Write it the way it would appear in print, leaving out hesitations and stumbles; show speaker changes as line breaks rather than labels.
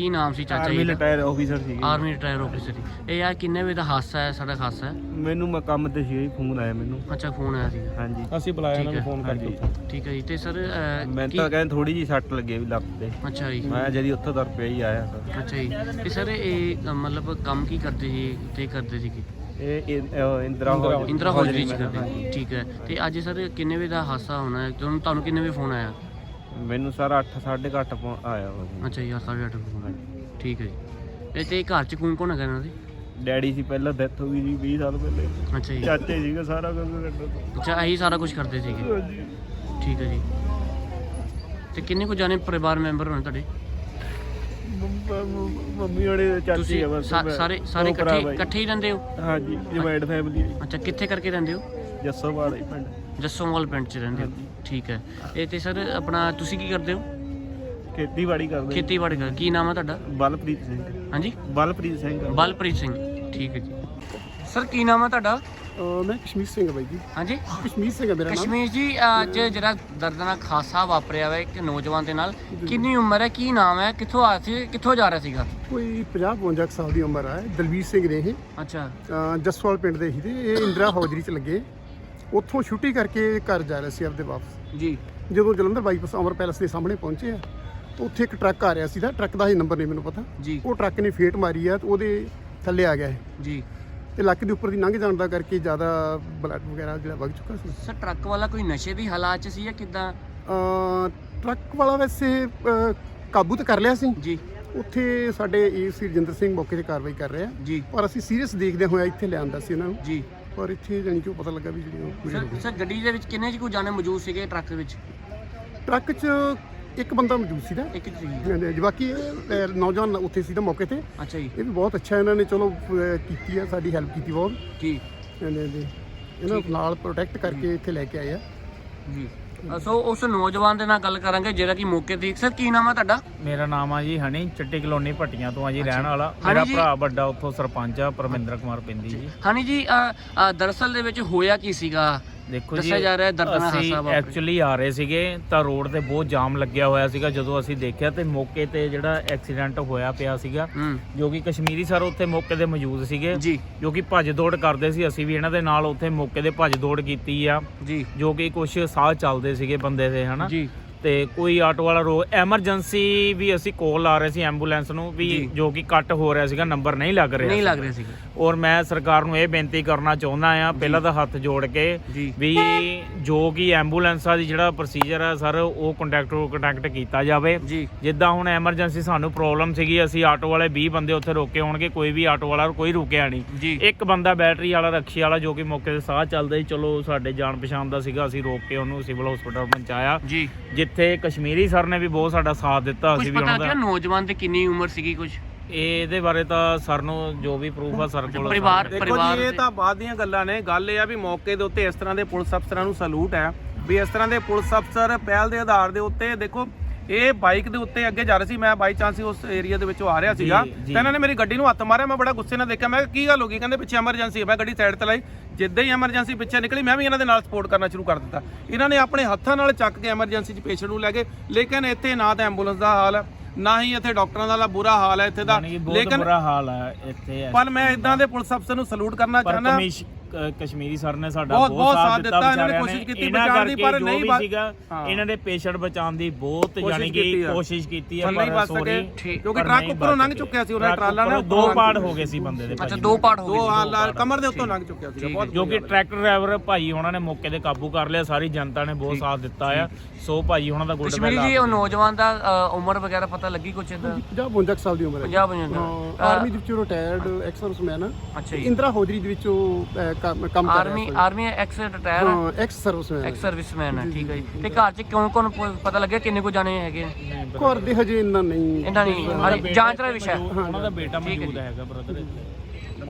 ਕੀ ਨਾਮ ਸੀ ਚਾਚਾ ਜੀ
ਆਰਮੀ
ਦਾ?
ਰਿਟਾਇਰ ਆਫੀਸਰ ਸੀ।
ਆਰਮੀ ਰਿਟਾਇਰ ਆਫਿਸਰ ਸੀ। ਇਹ ਯਾਰ ਕਿੰਨੇ ਵਜੇ ਦਾ ਹਾਦਸਾ ਹੈ? ਸਾਡਾ ਹਾਦਸਾ ਹੈ।
ਮੈਨੂੰ ਮੈਂ ਕੰਮ ਤੇ ਸੀ, ਫੋਨ ਆਇਆ ਮੈਨੂੰ।
ਅੱਛਾ ਫੋਨ ਆਇਆ ਸੀ।
ਹਾਂਜੀ
ਅਸੀਂ ਬੁਲਾਇਆ
ਠੀਕ
ਇਹਨਾਂ ਨੂੰ
ਹੈ।
ਫੋਨ
ਹਾਂਜੀ
ਕਰਕੇ।
ਠੀਕ ਹੈ ਜੀ। ਤੇ ਸਰ
ਮੈਂ ਤਾਂ ਕਹਿੰਦਾ ਥੋੜੀ ਜੀ ਸੱਟ ਲੱਗੀ ਵੀ ਲੱਤ ਤੇ।
ਅੱਛਾ ਜੀ।
ਮੈਂ ਜਦੀ ਉੱਥੋਂ ਤੁਰ ਪਿਆ ਹੀ ਆਇਆ ਸਰ।
ਅੱਛਾ ਜੀ। ਤੇ ਸਰ ਇਹ ਮਤਲਬ ਕੰਮ ਕੀ ਕਰਦੇ ਸੀ ਤੇ ਕਰਦੇ ਸੀਗੇ?
ਇਹ ਇੰਦਰਾ
ਹੌਜ਼ਰੀ ਚ ਕਰਦੇ ਸੀ। ਠੀਕ ਹੈ। ਤੇ ਅੱਜ ਸਰ ਕਿੰਨੇ ਵਜੇ ਦਾ ਹਾਦਸਾ ਹੋਣਾ ਹੈ? ਤੁਹਾਨੂੰ ਕਿੰਨੇ ਵਜੇ ਫੋਨ ਆਇਆ?
ਮੈਨੂੰ ਸਰ 8 8:30 ਆਇਆ ਵਾ।
ਅੱਛਾ ਜੀ 8:30 ਫੋਨ ਆਇਆ। ਠੀਕ ਹੈ ਜੀ। ਤੇ ਘਰ ਚ ਕੌਣ ਕੌਣ ਹੈਗਾ ਇਹਨਾਂ ਦੇ?
ਡੈਡੀ ਸੀ, ਪਹਿਲਾਂ ਡੈਥ ਹੋ ਗਈ ਜੀ 20 ਸਾਲ ਪਹਿਲੇ।
ਅੱਛਾ ਜੀ।
ਚਾਚੇ ਸੀਗਾ, ਸਾਰਾ ਕੰਮ ਕਰਦਾ।
ਅੱਛਾ ਇਹੀ ਸਾਰਾ ਕੁਝ ਕਰਦੇ ਸੀਗੇ।
ਹਾਂਜੀ।
ਠੀਕ ਹੈ ਜੀ। ਤੇ ਕਿੰਨੇ ਕੁ ਜਾਣੇ ਪਰਿਵਾਰ ਮੈਂਬਰ ਹੋਣੇ ਤੁਹਾਡੇ?
ਮੰਮੀ ਹੋਣੇ ਚਾਚੀ
ਤੁਸੀਂ
ਆ ਬਸ।
ਸਾਰੇ ਇਕੱਠੇ ਹੀ ਰਹਿੰਦੇ ਹੋ?
ਹਾਂਜੀ ਜੁਆਇੰਟ ਫੈਮਿਲੀ ਹੈ।
ਅੱਛਾ ਕਿੱਥੇ ਕਰਕੇ ਰਹਿੰਦੇ ਹੋ?
ਜੱਸੋਵਾਲ ਹੀ ਪਿੰਡ।
ਜੱਸੋਵਾਲ ਪਿੰਡ 'ਚ ਰਹਿੰਦੇ ਹੋ?
ਹਾਂਜੀ।
ਠੀਕ ਹੈ। ਇਹ ਤੇ ਸਰ ਆਪਣਾ ਤੁਸੀਂ ਕੀ ਕਰਦੇ ਹੋ?
ਖੇਤੀਬਾੜੀ ਕਰਦੇ।
ਖੇਤੀਬਾੜੀ ਕਰ। ਕੀ ਨਾਮ ਹੈ ਤੁਹਾਡਾ?
ਬਲਪ੍ਰੀਤ ਸਿੰਘ।
ਹਾਂਜੀ
ਬਲਪ੍ਰੀਤ ਸਿੰਘ।
ਬਲਪ੍ਰੀਤ ਸਿੰਘ। ਠੀਕ ਹੈ ਜੀ। ਸਰ ਕੀ ਨਾਮ ਹੈ ਤੁਹਾਡਾ?
ਮੈਂ ਕਸ਼ਮੀਰ ਸਿੰਘ ਹਾਂ ਬਾਈ ਜੀ।
ਹਾਂਜੀ
ਕਸ਼ਮੀਰ ਸਿੰਘ ਹੈ ਮੇਰਾ ਨਾਮ।
ਕਸ਼ਮੀਰ ਜੀ ਅੱਜ ਜਿਹੜਾ ਦਰਦਨਾਕ ਹਾਦਸਾ ਵਾਪਰਿਆ ਵਾ ਇੱਕ ਨੌਜਵਾਨ ਦੇ ਨਾਲ, ਕਿੰਨੀ ਉਮਰ ਹੈ, ਕੀ ਨਾਮ ਹੈ, ਕਿੱਥੋਂ ਆ ਸੀ, ਕਿੱਥੋਂ ਜਾ ਰਿਹਾ ਸੀਗਾ?
ਕੋਈ 50-52 ਸਾਲ ਦੀ ਉਮਰ ਹੈ। ਦਲਵੀਰ ਸਿੰਘ ਨੇ ਇਹ
ਅੱਛਾ
ਜਸਵਾਲ ਪਿੰਡ ਦੇ ਸੀ ਤੇ ਇਹ ਇੰਦਰਾ ਹੌਜ਼ਰੀ 'ਚ ਲੱਗੇ। ਉੱਥੋਂ ਛੁੱਟੀ ਕਰਕੇ ਘਰ ਜਾ ਰਹੇ ਸੀ ਆਪਦੇ ਵਾਪਸ।
ਜੀ।
ਜਦੋਂ ਜਲੰਧਰ ਬਾਈਪਾਸ ਅਮਰ ਪੈਲਸ ਦੇ ਸਾਹਮਣੇ ਪਹੁੰਚੇ ਆ ਤਾਂ ਉੱਥੇ ਇੱਕ ਟਰੱਕ ਆ ਰਿਹਾ ਸੀ। ਟਰੱਕ ਦਾ ਹੀ ਨੰਬਰ ਨਹੀਂ ਮੈਨੂੰ ਪਤਾ।
ਜੀ।
ਉਹ ਟਰੱਕ ਨੇ ਫੇਟ ਮਾਰੀ ਆ ਤੇ ਉਹਦੇ ਥੱਲੇ ਆ ਗਿਆ ਇਹ
ਜੀ।
ਤੇ ਲੱਕ ਦੇ ਉੱਪਰ ਦੀ ਲੰਘ ਜਾਣ ਦਾ ਕਰਕੇ ਜ਼ਿਆਦਾ ਬਲੱਡ ਵਗੈਰਾ ਜਿਹੜਾ ਵਗ ਚੁੱਕਾ ਸੀ।
ਸਰ ਟਰੱਕ ਵਾਲਾ ਕੋਈ ਨਸ਼ੇ ਦੀ ਹਾਲਾਤ 'ਚ ਸੀ ਜਾਂ ਕਿੱਦਾਂ?
ਟਰੱਕ ਵਾਲਾ ਵੈਸੇ ਕਾਬੂ ਤਾਂ ਕਰ ਲਿਆ ਸੀ।
ਜੀ।
ਉੱਥੇ ਸਾਡੇ ਏਸੀ ਰਜਿੰਦਰ ਸਿੰਘ ਮੌਕੇ ਤੇ ਕਾਰਵਾਈ ਕਰ ਰਹੇ ਆ।
ਜੀ।
ਪਰ ਅਸੀਂ ਸੀਰੀਅਸ ਦੇਖਦੇ ਹੋਇਆ ਇੱਥੇ ਲਿਆਂਦਾ ਸੀ ਇਹਨਾਂ ਨੂੰ।
ਜੀ।
ਪਰ ਇੱਥੇ ਜਾਣੀ ਕਿ ਉਹ ਪਤਾ ਲੱਗਾ ਵੀ ਜਿਹੜੀ ਉਹ ਪੂਰੀ ਹੋ ਗਈ।
ਸਰ ਗੱਡੀ ਦੇ ਵਿੱਚ ਕਿੰਨੇ ਕੁ ਜਾਣੇ ਮੌਜੂਦ ਸੀਗੇ ਟਰੱਕ ਵਿੱਚ?
ਟਰੱਕ 'ਚ ਇੱਕ ਬੰਦਾ ਮੌਜੂਦ ਸੀ ਨਾ।
ਇੱਕ ਜੀ।
ਹਾਂਜੀ, ਬਾਕੀ ਇਹ ਨੌਜਵਾਨ ਉੱਥੇ ਸੀ ਤਾਂ ਮੌਕੇ ਤੇ।
ਅੱਛਾ ਜੀ।
ਇਹ ਵੀ ਬਹੁਤ ਅੱਛਾ ਇਹਨਾਂ ਨੇ ਚਲੋ ਕੀਤੀ ਆ, ਸਾਡੀ ਹੈਲਪ ਕੀਤੀ ਬਹੁਤ।
ਜੀ।
ਹਾਂਜੀ ਇਹਨਾਂ ਨੂੰ ਨਾਲ ਪ੍ਰੋਟੈਕਟ ਕਰਕੇ ਇੱਥੇ ਲੈ ਕੇ ਆਏ ਆ।
ਜੀ। ਸੋ ਉਸ ਨੌਜਵਾਨ ਦੇ ਨਾਲ ਗੱਲ ਕਰਾਂਗੇ ਜਿਹੜਾ ਕਿ ਮੌਕੇ ਤੇ। ਸਰ ਕੀ ਨਾਮ ਹੈ ਤੁਹਾਡਾ?
ਮੇਰਾ ਨਾਮ ਆ ਜੀ ਹਨੀ, ਚੱਟੀ ਕਲੋਨੀ ਭੱਟੀਆਂ ਤੋਂ ਆ ਜੀ ਰਹਿਣ ਵਾਲਾ।
ਹਨੀ
ਮੇਰਾ
ਜੀ।
ਭਰਾ ਵੱਡਾ ਉੱਥੋਂ ਸਰਪੰਚ ਆ, ਪਰਮਿੰਦਰ ਕੁਮਾਰ ਪਿੰਦੀ ਜੀ।
ਹਨੀ ਜੀ ਦਰਅਸਲ ਦੇ ਵਿੱਚ ਹੋਇਆ ਕੀ ਸੀਗਾ?
ਦੇਖੋ ਜੀ
ਦੱਸਿਆ ਜਾ ਰਿਹਾ ਹੈ ਦਰਦਨਾਕ
ਅਸੀਂ
ਹਾਦਸਾ ਵਾਪਰਿਆ।
ਐਕਚੁਅਲੀ ਆ ਰਹੇ ਸੀਗੇ ਤਾਂ ਰੋਡ ਤੇ ਬਹੁਤ ਜਾਮ ਲੱਗਿਆ ਹੋਇਆ ਸੀਗਾ। ਜਦੋਂ ਅਸੀਂ ਦੇਖਿਆ ਤੇ ਮੌਕੇ ਤੇ ਜਿਹੜਾ ਐਕਸੀਡੈਂਟ ਹੋਇਆ ਪਿਆ ਸੀਗਾ, ਜੋ ਕਿ ਕਸ਼ਮੀਰੀ ਸਰ ਉੱਥੇ ਮੌਕੇ ਤੇ ਮੌਜੂਦ ਸੀਗੇ,
ਜੀ।
ਜੋ ਕਿ ਭੱਜ ਦੌੜ ਕਰਦੇ ਸੀ। ਅਸੀਂ ਵੀ ਇਹਨਾਂ ਦੇ ਨਾਲ ਉੱਥੇ ਮੌਕੇ ਤੇ ਭੱਜ ਦੌੜ ਕੀਤੀ ਆ,
ਜੀ।
ਜੋ ਕਿ ਕੁਝ ਸਾਹ ਚੱਲਦੇ ਸੀਗੇ ਬੰਦੇ ਦੇ, ਹਨਾ।
ਜੀ।
ਤੇ ਕੋਈ ਆਟੋ ਵਾਲਾ ਐਮਰਜੈਂਸੀ ਵੀ ਅਸੀਂ ਕੋਲ ਲਾ ਰਹੇ ਸੀ ਐਂਬੂਲੈਂਸ ਨੂੰ ਵੀ, ਜੋ ਕਿ ਕੱਟ ਹੋ ਰਿਹਾ ਸੀਗਾ, ਨੰਬਰ ਨਹੀਂ ਲੱਗ ਰਿਹਾ
ਸੀਗਾ।
ਔਰ ਮੈਂ ਸਰਕਾਰ ਨੂੰ ਇਹ ਬੇਨਤੀ ਕਰਨਾ ਚਾਹੁੰਦਾ ਆ, ਪਹਿਲਾਂ ਤਾਂ ਹੱਥ ਜੋੜ ਕੇ ਵੀ ਜੋ ਕਿ ਐਂਬੂਲੈਂਸਾਂ ਦੀ ਜਿਹੜਾ ਪ੍ਰੋਸੀਜਰ ਹੈ ਸਰ, ਉਹ ਕੰਟੈਕਟ ਕੀਤਾ ਜਾਵੇ। ਜਿੱਦਾਂ ਹੁਣ ਐਮਰਜੈਂਸੀ ਸਾਨੂੰ ਪ੍ਰੋਬਲਮ ਸੀਗੀ, ਅਸੀਂ ਆਟੋ ਵਾਲੇ 20 ਬੰਦੇ ਉੱਥੇ ਰੋਕੇ ਹੋਣਗੇ, ਕੋਈ ਵੀ ਆਟੋ ਵਾਲਾ ਕੋਈ ਰੁਕਿਆ ਨਹੀਂ। ਇੱਕ ਬੰਦਾ ਬੈਟਰੀ ਵਾਲਾ ਰਕਸ਼ੇ ਵਾਲਾ ਜੋ ਕਿ ਮੌਕੇ ਤੇ ਸਾਹ ਚੱਲਦਾ ਸੀ, ਚਲੋ ਸਾਡੇ ਜਾਣ ਪਛਾਣ ਦਾ ਸੀਗਾ, ਅਸੀਂ ਰੋਕ ਕੇ ਉਹਨੂੰ ਸਿਵਲ ਹਸਪਤਾਲ ਪਹੁੰਚਾਇਆ। ਜਿੱਥੇ ਕਸ਼ਮੀਰੀ ਸਰ ਨੇ ਵੀ ਬਹੁਤ ਸਾਡਾ ਸਾਥ ਦਿੱਤਾ। ਅਸੀਂ ਵੀ ਉਹਨਾਂ ਦਾ।
ਨੌਜਵਾਨ ਦੀ ਕਿੰਨੀ ਉਮਰ ਸੀਗੀ ਕੁਝ
ਇਹਦੇ ਬਾਰੇ ਤਾਂ ਸਰ ਨੂੰ ਜੋ ਵੀ ਪ੍ਰੂਫ ਆ ਸਰ ਕੋਲ।
ਪਰਿਵਾਰ
ਦੇਖੋ ਜੀ ਇਹ ਤਾਂ ਬਾਅਦ ਦੀਆਂ ਗੱਲਾਂ ਨੇ। ਗੱਲ ਇਹ ਆ ਵੀ ਮੌਕੇ ਦੇ ਉੱਤੇ ਇਸ ਤਰ੍ਹਾਂ ਦੇ ਪੁਲਿਸ ਅਫਸਰਾਂ ਨੂੰ ਸਲੂਟ ਹੈ ਵੀ ਇਸ ਤਰ੍ਹਾਂ ਦੇ ਪੁਲਿਸ ਅਫਸਰ ਪਹਿਲ ਦੇ ਆਧਾਰ ਦੇ ਉੱਤੇ। ਦੇਖੋ ਇਹ ਬਾਈਕ ਦੇ ਉੱਤੇ ਅੱਗੇ ਜਾ ਰਹੇ ਸੀ, ਮੈਂ ਬਾਈ ਚਾਂਸ ਉਸ ਏਰੀਆ ਦੇ ਵਿੱਚੋਂ ਆ ਰਿਹਾ ਸੀਗਾ ਤੇ ਇਹਨਾਂ ਨੇ ਮੇਰੀ ਗੱਡੀ ਨੂੰ ਹੱਥ ਮਾਰਿਆ। ਮੈਂ ਬੜਾ ਗੁੱਸੇ ਨਾਲ ਦੇਖਿਆ, ਮੈਂ ਕਿਹਾ ਕੀ ਗੱਲ ਹੋ ਗਈ? ਕਹਿੰਦੇ ਪਿੱਛੇ ਐਮਰਜੈਂਸੀ ਹੈ। ਮੈਂ ਗੱਡੀ ਸਾਈਡ ਤੇ ਲਾਈ, ਜਿੱਦਾਂ ਹੀ ਐਮਰਜੈਂਸੀ ਪਿੱਛੇ ਨਿਕਲੀ ਮੈਂ ਵੀ ਇਹਨਾਂ ਦੇ ਨਾਲ ਸਪੋਰਟ ਕਰਨਾ ਸ਼ੁਰੂ ਕਰ ਦਿੱਤਾ। ਇਹਨਾਂ ਨੇ ਆਪਣੇ ਹੱਥਾਂ ਨਾਲ ਚੱਕ ਕੇ ਐਮਰਜੈਂਸੀ 'ਚ ਪੇਸ਼ੈਂਟ ਨੂੰ ਲੈ ਗਏ। ਲੇਕਿਨ ਇੱਥੇ ਨਾ ਤਾਂ ਐਂਬੂਲੈਂਸ ਦਾ ਹਾਲ ਹੈ, ਨਾ ਹੀ ਇੱਥੇ ਡਾਕਟਰਾਂ ਦਾ ਬੁਰਾ ਹਾਲ ਹੈ ਇੱਥੇ ਦਾ।
ਲੇਕਿਨ ਬੁਰਾ ਹਾਲ ਹੈ ਇੱਥੇ।
ਪਰ ਮੈਂ ਇਦਾਂ ਦੇ ਪੁਲਿਸ ਅਫਸਰ ਨੂੰ ਸਲੂਟ ਕਰਨਾ ਚਾਹੁੰਦਾ।
ਕਸ਼ਮੀਰੀ ਸਰ ਨੇ ਸਾਡਾ
ਬਹੁਤ ਸਾਥ ਦਿੱਤਾ। ਇਹਨਾਂ ਨੇ ਕੋਸ਼ਿਸ਼ ਕੀਤੀ ਬਚਾਉਣ ਦੀ, ਪਰ ਨਹੀਂ
ਸੀਗਾ। ਇਹਨਾਂ ਦੇ ਪੇਸ਼ੈਂਟ ਬਚਾਉਣ ਦੀ ਬਹੁਤ ਯਾਨੀ ਕਿ ਕੋਸ਼ਿਸ਼ ਕੀਤੀ ਹੈ,
ਪਰ ਸੋਰੀ ਕਿਉਂਕਿ ਟਰੱਕ ਉੱਪਰੋਂ ਲੰਘ ਚੁੱਕਿਆ ਸੀ। ਉਹਨਾਂ ਟਰਾਲਾ ਨਾਲ
2 ਪਾਰਟ ਹੋ ਗਏ ਸੀ ਬੰਦੇ ਦੇ।
ਅੱਛਾ 2 ਪਾਰਟ ਹੋ
ਗਏ, ਕਮਰ ਦੇ ਉੱਤੋਂ ਲੰਘ ਚੁੱਕਿਆ ਸੀ।
ਜੋ ਕਿ ਟਰੈਕਟਰ ਡਰਾਈਵਰ ਭਾਈ ਉਹਨਾਂ ਨੇ ਮੌਕੇ ਤੇ ਕਾਬੂ ਕਰ ਲਿਆ। ਸਾਰੀ ਜਨਤਾ ਨੇ ਬਹੁਤ ਸਾਥ ਦਿੱਤਾ ਆ। ਸੋ ਭਾਈ ਉਹਨਾਂ ਦਾ ਗੁੱਡ
ਕਸ਼ਮੀਰੀ ਜੀ ਉਹ ਨੌਜਵਾਨ ਦਾ ਉਮਰ ਵਗੈਰਾ ਪਤਾ ਲੱਗੀ ਕੁਛ?
50-52 ਸਾਲ ਦੀ ਉਮਰ ਹੈ।
50-52
ਆਰਮੀ ਦੇ ਵਿੱਚੋਂ ਰਿਟਾਇਰਡ ਐਕਸ ਸਰਵਿਸਮੈਨ ਆ।
ਅੱਛਾ ਜੀ।
ਇੰਦਰਾ ਹੌਜ਼ਰੀ ਦੇ ਵਿੱਚੋਂ ਕੰਮ ਕਰ ਰਿਹਾ।
ਆਰਮੀ ਐਕਸ ਰਿਟਾਇਰ ਹੈ,
ਐਕਸ
ਸਰਵਿਸਮੈਨ ਹੈ। ਠੀਕ ਹੈ ਜੀ। ਤੇ ਘਰ 'ਚ ਕੌਣ ਪਤਾ ਲੱਗਿਆ ਕਿੰਨੇ ਕੁ ਜਾਣੇ ਹੈਗੇ?
ਘਰ ਦੇ ਹਜੇ ਇੰਨਾ ਨਹੀਂ
ਜਾਂਚ ਦਾ ਵਿਸ਼ਾ।
ਉਹਨਾਂ ਦਾ ਬੇਟਾ ਮੌਜੂਦ ਹੈਗਾ ਬ੍ਰਦਰ।